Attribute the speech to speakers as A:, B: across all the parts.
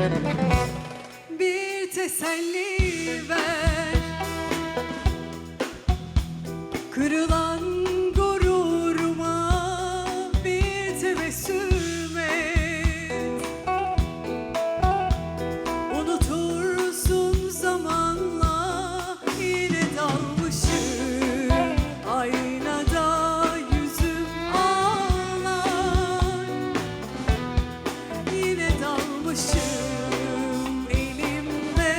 A: Bir teselli ver, kırılan gururuma bir tebessüm et. Unutursun zamanla, yine dalmışım aynada yüzüm ağlar. Yine dalmışım elimde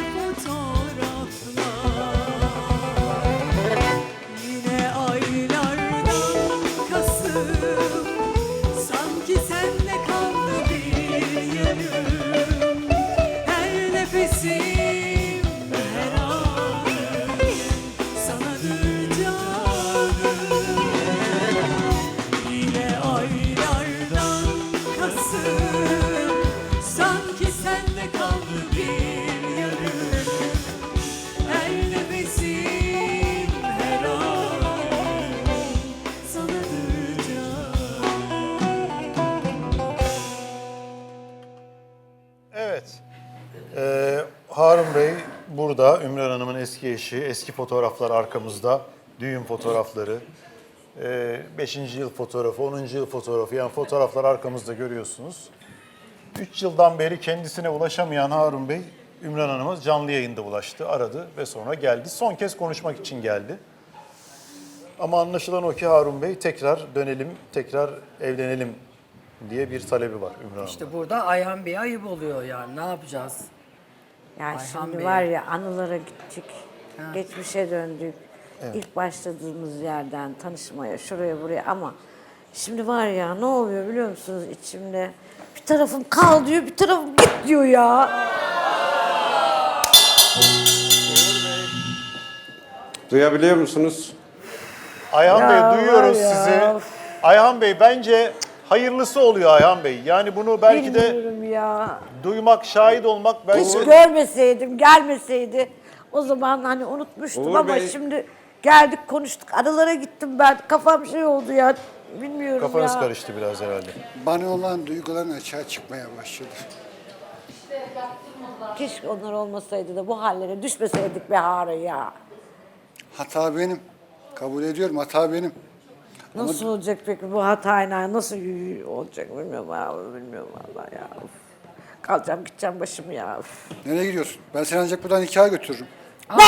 A: fotoğraflar. Yine aylardan Kasım, sanki sende kaldı bir yarım. Her nefesim, her anım sanadır canım. Yine aylardan Kasım, sanki sende kaldı bir yarım. Her nefesim, her anım sanadır canım.
B: Evet. Harun Bey burada. Ümran Hanım'ın eski eşi. Eski fotoğraflar arkamızda. Düğün fotoğrafları. 5. yıl fotoğrafı, 10. yıl fotoğrafı. Yani fotoğraflar arkamızda görüyorsunuz. 3 yıldan beri kendisine ulaşamayan Harun Bey, Ümran Hanım'a canlı yayında ulaştı, aradı ve sonra geldi. Son kez konuşmak için geldi. Ama anlaşılan o ki Harun Bey tekrar dönelim, tekrar evlenelim diye bir talebi var Ümran Hanım'ın.
C: İşte burada Ayhan Bey'e ayıp oluyor yani. Ne yapacağız?
D: Yani
C: Ayhan
D: şimdi
C: Bey.
D: var ya anılara gittik, geçmişe döndük. İlk başladığımız yerden tanışmaya, şuraya buraya ama şimdi var ya ne oluyor biliyor musunuz içimde? Bir tarafım kal diyor, bir tarafım git diyor ya.
E: Duyabiliyor musunuz?
B: Ayhan
D: Ya
B: Bey
D: var
B: duyuyoruz
D: ya.
B: sizi. Ayhan Bey bence hayırlısı oluyor Ayhan Bey. Yani bunu belki de
D: Bilmiyorum ya.
B: duymak, şahit olmak belki
D: Hiç
B: de...
D: görmeseydim, gelmeseydi o zaman hani unutmuştum
E: Uğur
D: ama
E: Bey.
D: şimdi geldik konuştuk. Aralara gittim ben. Kafam şey oldu ya. Bilmiyorum
B: Kafanız
D: ya.
B: karıştı biraz herhalde.
F: Bana olan duyguların açığa çıkmaya başladı.
D: Keşke onlar olmasaydı da bu hallere düşmeseydik be Harun ya.
F: Hata benim. Kabul ediyorum, hata benim.
D: Nasıl olacak peki bu hatayla nasıl olacak bilmiyorum abi bilmiyorum vallahi ya. Uf. Kalacağım gideceğim başımı ya. Uf.
F: Nereye gidiyorsun? Ben seni ancak buradan nikaha götürürüm.
D: Ne?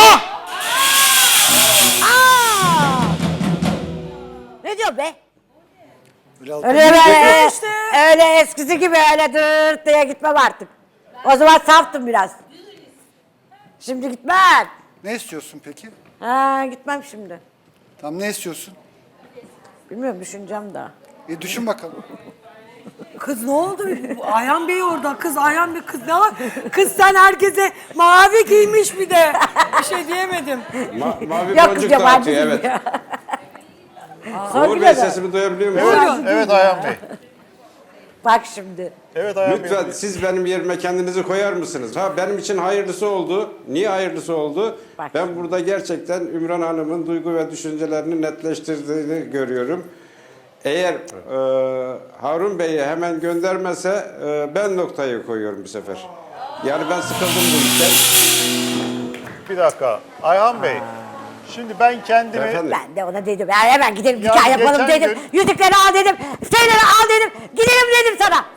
D: Aa! Ne diyor be?
F: Öyle altı-
D: Öyle öyle eskisi gibi öyle dırt diye gitmem artık. O zaman saftım biraz. Şimdi gitmem.
F: Ne istiyorsun peki?
D: Ha gitmem şimdi.
F: Tam ne istiyorsun?
D: Bilmiyorum düşüneceğim daha.
F: Düşün bakalım.
C: Kız ne oldu? Ayhan Bey orada. Kız Ayhan Bey kız ne var? Kız sen herkese mavi giymiş bir de. Bir şey diyemedim.
E: Mavi
D: Yok kız
E: boncuk
D: yabancı
E: dağıtıyor
D: değil
E: evet.
D: ya.
E: Uğur Bey sesimi duyabiliyor musunuz?
B: Evet, evet Ayhan Bey.
D: Bak şimdi.
B: Evet Ayhan Bey.
E: Lütfen siz benim yerime kendinizi koyar mısınız? Ha benim için hayırlısı oldu. Niye hayırlısı oldu?
D: Bak
E: Ben
D: şimdi.
E: burada gerçekten Ümran Hanım'ın duygu ve düşüncelerini netleştirdiğini görüyorum. Eğer Harun Bey'i hemen göndermese ben noktayı koyuyorum bu sefer. Yani ben sıkıldım bu işten.
B: Bir dakika. Ayhan Bey. Şimdi ben kendimi...
E: Efendim?
D: Ben de ona dedim. Ya hemen gidelim
B: Ya
D: nikah yapalım
B: geçen
D: dedim.
B: gün-
D: Yüzükleri al dedim. Şeyleri al dedim. Gidelim dedim sana.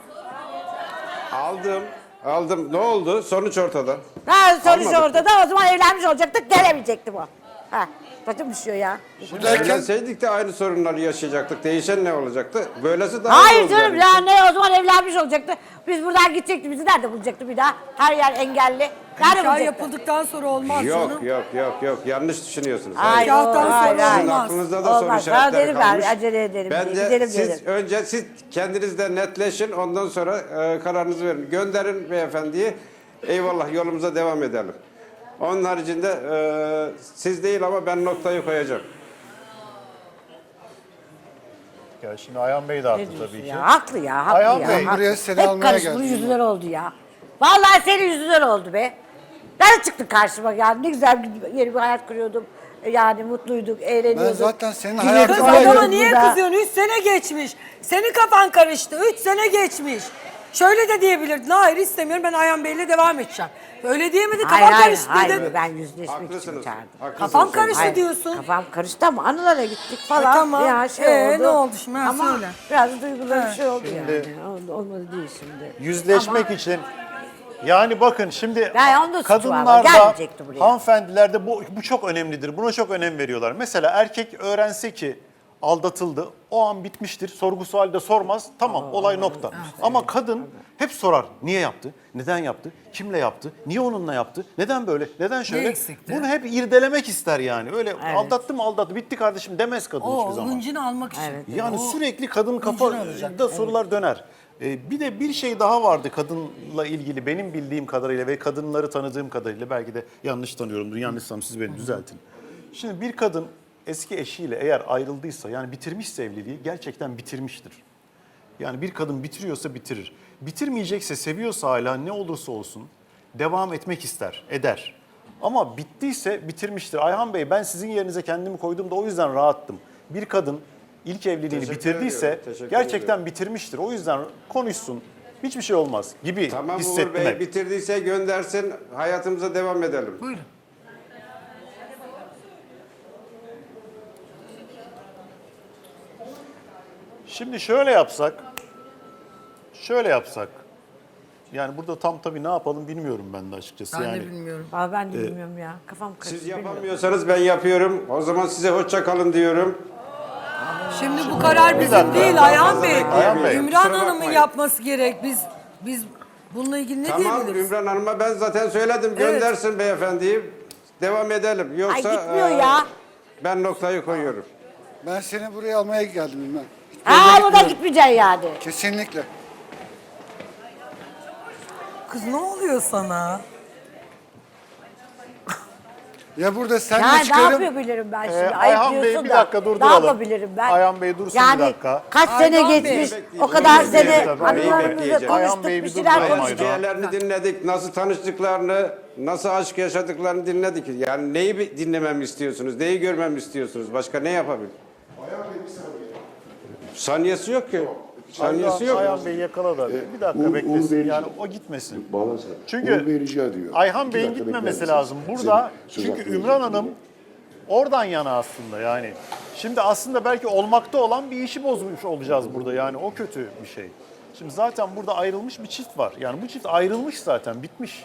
E: Aldım. Ne oldu? Sonuç ortada.
D: Ha sonuç
E: Almadık.
D: ortada o zaman evlenmiş olacaktık. Gelemeyecektim o. Ha başım düşüyor ya.
E: Evlenseydik de aynı sorunları yaşayacaktık. Değişen ne olacaktı? Böylesi daha iyi
D: Hayır
E: oldu
D: canım
E: benim
D: ya
E: için.
D: ne o zaman evlenmiş olacaktı. Biz buradan gidecektik. Bizi nerede bulacaktı bir daha? Her yer engelli. Nerede
C: Nikah
D: bulacaktı?
C: yapıldıktan sonra olmaz canım.
E: Yok. Yanlış düşünüyorsunuz.
D: Hayır,
C: Nikahtan
D: hayır,
C: sonra
D: hayır.
E: Sizin
C: olmaz.
E: aklınızda da soru
D: Olmaz. Ha,
E: işaretleri
D: dedim
E: kalmış.
D: ben, acele edelim diye,
E: Bence
D: gidelim
E: siz
D: dedim.
E: önce siz kendiniz de netleşin. Ondan sonra kararınızı verin. Gönderin beyefendiyi. Eyvallah yolumuza devam edelim. Onun haricinde siz değil ama ben noktayı koyacağım.
B: Ya şimdi Ayhan Bey de haklı
D: Ne diyorsun
B: tabii ki.
D: ya? Haklı ya, haklı
B: Ayhan
D: ya.
B: Bey,
D: haklı.
F: buraya seni
D: Hep
F: almaya
D: karıştı,
F: geldim.
D: yüzünden oldu ya. Vallahi senin yüzünden oldu be. Nerede çıktın karşıma yani? Ne güzel yeni bir hayat kuruyordum. Yani mutluyduk, eğleniyorduk.
F: Ben zaten senin
D: Gülüyorduk,
F: hayatın
C: Kız
F: var ya.
C: adama
D: oynuyorduk
C: niye
D: burada.
C: kızıyorsun? 3 sene geçmiş. Senin kafan karıştı. 3 sene geçmiş. şöyle de diyebilirdin. Hayır istemiyorum, ben Ayhan Bey'le devam edeceğim. Öyle diyemedin,
D: Hayır,
C: kafam
D: hayır,
C: karıştı
D: hayır,
C: dedin.
D: ben yüzleşmek için
E: Haklısınız.
D: çağırdım.
E: Haklısınız.
C: Kafam karıştı
D: Hayır,
C: diyorsun.
D: Kafam karıştı ama anılara gittik falan.
C: tamam.
D: Ya şey oldu.
C: Ne oldu şimdi? Ha,
D: Ama
C: söyle.
D: biraz duygulu bir şey oldu
B: Şimdi-
D: yani. Olmadı değil şimdi.
B: Yüzleşmek için yani bakın şimdi
D: Ya onda suçu var,
B: kadınlarda,
D: gelmeyecekti buraya.
B: hanımefendilerde bu çok önemlidir. Buna çok önem veriyorlar. Mesela erkek öğrense ki aldatıldı, o an bitmiştir. Sorgusu halde sormaz. Tamam, olay nokta. Ama kadın hep sorar. Niye yaptı? Neden yaptı? Kimle yaptı? Niye onunla yaptı? Neden böyle? Neden şöyle?
C: eksikti?
B: Bunu hep irdelemek ister yani. Öyle aldattı mı aldattı. Bitti kardeşim demez kadın hiçbir
C: O
B: zaman.
C: hıncını almak için.
B: Yani
C: O-
B: sürekli kadın
C: alacak,
B: kafada sorular döner. Bir de bir şey daha vardı kadınla ilgili benim bildiğim kadarıyla ve kadınları tanıdığım kadarıyla, belki de yanlış tanıyorumdur. Yanlışsam siz beni düzeltin. Şimdi bir kadın eski eşiyle eğer ayrıldıysa, yani bitirmişse evliliği, gerçekten bitirmiştir. Yani bir kadın bitiriyorsa bitirir. Bitirmeyecekse, seviyorsa hala, ne olursa olsun devam etmek ister, eder. Ama bittiyse bitirmiştir. Ayhan Bey, ben sizin yerinize kendimi koydum da o yüzden rahattım. Bir kadın ilk evliliğini
E: Teşekkür
B: bitirdiyse
E: ediyorum, teşekkür
B: gerçekten
E: ediyorum.
B: bitirmiştir. O yüzden konuşsun, hiçbir şey olmaz gibi
E: Tamam Uğur
B: hissettim
E: Bey,
B: hep.
E: bitirdiyse göndersin, hayatımıza devam edelim.
C: Buyurun.
B: Şimdi şöyle yapsak, yani burada tam tabii ne yapalım bilmiyorum ben de açıkçası.
C: Ben
B: yani.
C: de bilmiyorum.
D: Vallahi ben de bilmiyorum ya. Kafam karıştı.
E: Siz
D: bilmiyorum.
E: yapamıyorsanız ben yapıyorum. O zaman size hoşça kalın diyorum.
C: Şimdi bu karar bizim
B: dakika.
C: değil Ayhan Bey.
B: Ayhan Bey.
C: Ümran
E: Kusura
C: Hanım'ın
E: bakmayın.
C: yapması gerek. Biz bununla ilgili ne
E: Tamam
C: diyebiliriz?
E: Ümran Hanım'a ben zaten söyledim. Göndersin beyefendiyi. Devam edelim. Yoksa
D: Ay gitmiyor ya.
E: ben noktayı koyuyorum.
F: Ben seni buraya almaya geldim bilmem.
D: Ha bu da gitmeyeceksin yani.
F: Kesinlikle.
C: Kız ne oluyor sana?
F: Ya burada sen
D: Ya
F: de
D: ne
F: çıkarım.
D: yapabilirim ben şimdi?
B: Ayhan Bey,
D: diyorsun
B: bir
D: da,
B: dakika
D: Ne
B: durduralım.
D: yapabilirim ben?
B: Ayhan Bey dursun
D: yani
B: bir dakika.
D: Kaç
C: Ayhan
D: sene
C: Bey.
D: geçmiş,
E: Bekleyeceğim,
D: o kadar
E: bekleyeceğim.
D: sene
E: Tabii,
D: anılarımızla
E: bekleyeceğim.
B: Ayhan Bey,
D: konuştuk,
B: bir
D: bir şeyler
B: durmayın
D: konuştuk.
B: Ayhan.
E: Hikayelerini dinledik. Nasıl tanıştıklarını, nasıl aşk yaşadıklarını dinledik. Yani neyi dinlememi istiyorsunuz? Neyi görmemi istiyorsunuz? Başka ne yapabilirim? Saniyesi yok ki. Saniyesi yok.
B: Ayhan Bey yakala da bir dakika beklesin. Yani o gitmesin.
G: Bağlansana.
B: Çünkü
G: Uğur Bey rica ediyor.
B: Ayhan
G: 2
B: Bey'in
G: dakika
B: gitmemesi
G: bekler
B: lazım.
G: misiniz?
B: Burada
G: Söz
B: çünkü
G: hakkı
B: Ümran
G: verecek.
B: Hanım oradan yana aslında yani. Şimdi aslında belki olmakta olan bir işi bozmuş olacağız burada, yani o kötü bir şey. Şimdi zaten burada ayrılmış bir çift var. Yani bu çift ayrılmış zaten, bitmiş.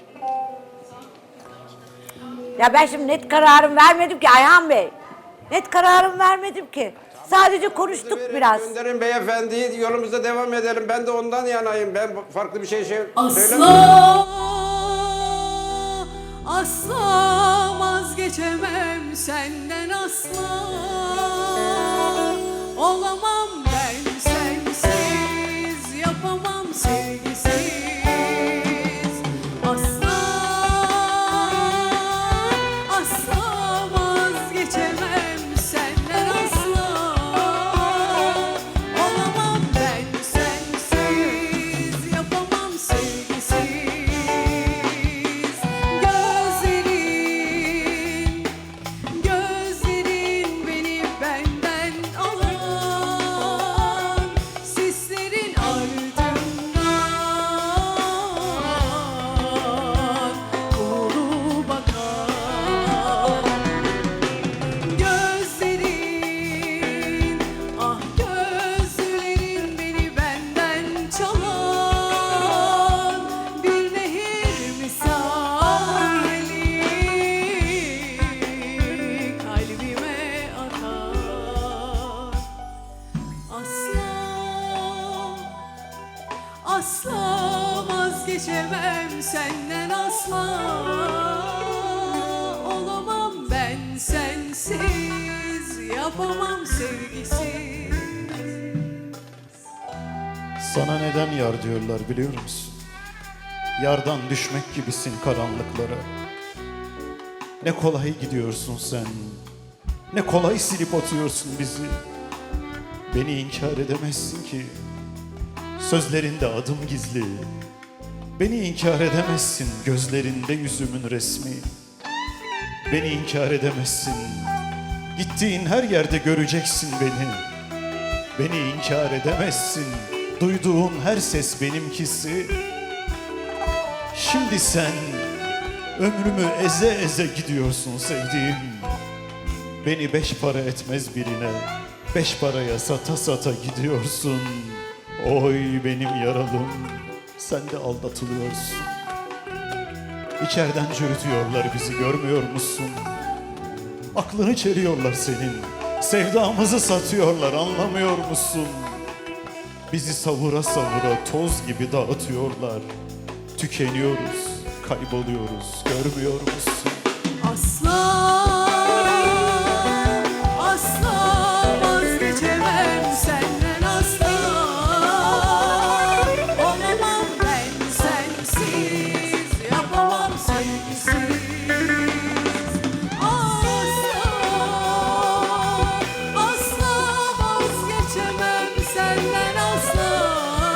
D: Ya ben şimdi net kararım vermedim ki Ayhan Bey. Net kararım vermedim ki. Sadece konuştuk biraz.
E: Gönderin beyefendiyi, yolumuza devam edelim. Ben de ondan yanayım. Ben farklı bir şey söylemiyorum.
A: Asla, asla vazgeçemem senden asla. Olamam ben sensiz, yapamam sevgisiz. Asla, asla vazgeçemem senden asla. Olamam ben sensiz, yapamam sevgisiz. Gözlerin beni benden alan, sislerin ardından doğru bakan. Gözlerin, ah gözlerin beni benden çalan bir nehir misali kalbime akar. Asla, asla vazgeçemem senden asla. Olamam ben sensiz, yapamam sevgisiz.
H: Sana neden yar diyorlar biliyor musun? Yardan düşmek gibisin karanlıklara. Ne kolay gidiyorsun sen. Ne kolay silip atıyorsun bizi. Beni inkar edemezsin ki. Sözlerinde adım gizli. Beni inkar edemezsin, gözlerinde yüzümün resmi. Beni inkar edemezsin. Gittiğin her yerde göreceksin beni. Beni inkar edemezsin. duyduğun her ses benimkisi. Şimdi sen ömrümü eze eze gidiyorsun sevdiğim. Beni 5 para etmez birine 5 paraya sata sata gidiyorsun. Oy benim yaralım, sen de aldatılıyorsun. İçeriden çürütüyorlar bizi, görmüyor musun? Aklını çeliyorlar senin, sevdamızı satıyorlar, anlamıyor musun? Bizi savura savura toz gibi dağıtıyorlar. Tükeniyoruz, kayboluyoruz, görmüyor musun?
A: Asla, asla vazgeçemem senden asla. Olamam ben sensiz, yapamam sevgisiz. Asla, asla vazgeçemem senden asla.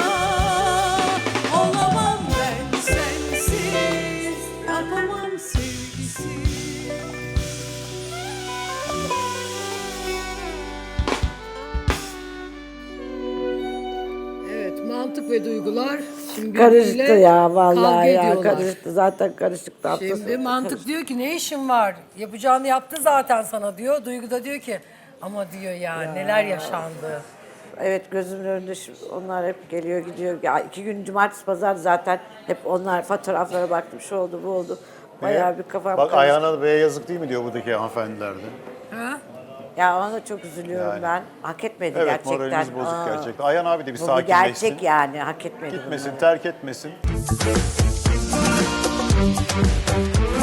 A: Olamam ben sensiz, yapamam sevgisiz.
C: Evet, mantık ve duygular şimdi
D: Karıştı
C: birbiriyle
D: ya vallahi
C: kavga
D: ya,
C: ediyorlar.
D: karıştı. Zaten karışıktı hafta
C: Şimdi
D: sonu.
C: mantık diyor ki ne işin var? Yapacağını yaptı zaten sana diyor. Duygu da diyor ki ama diyor ya neler yaşandı.
D: Evet, gözümün önünde onlar hep geliyor gidiyor. Ya 2 gün cumartesi pazar zaten hep onlar fotoğraflara baktım. Şu oldu bu oldu. Bayağı bir kafam
B: Bak
D: karıştı.
B: Ayhan'a Bey'e yazık değil mi diyor buradaki hanımefendilerde.
C: Ha?
D: Ya ona çok üzülüyorum
B: Yani.
D: ben. Hak etmedi
B: Evet,
D: gerçekten.
B: moralimiz bozuk
D: Aa,
B: gerçekten. Ayhan abi de bir
D: Bu
B: sakinleşsin.
D: gerçek yani, hak etmedi.
B: Gitmesin,
D: bunu.
B: terk etmesin.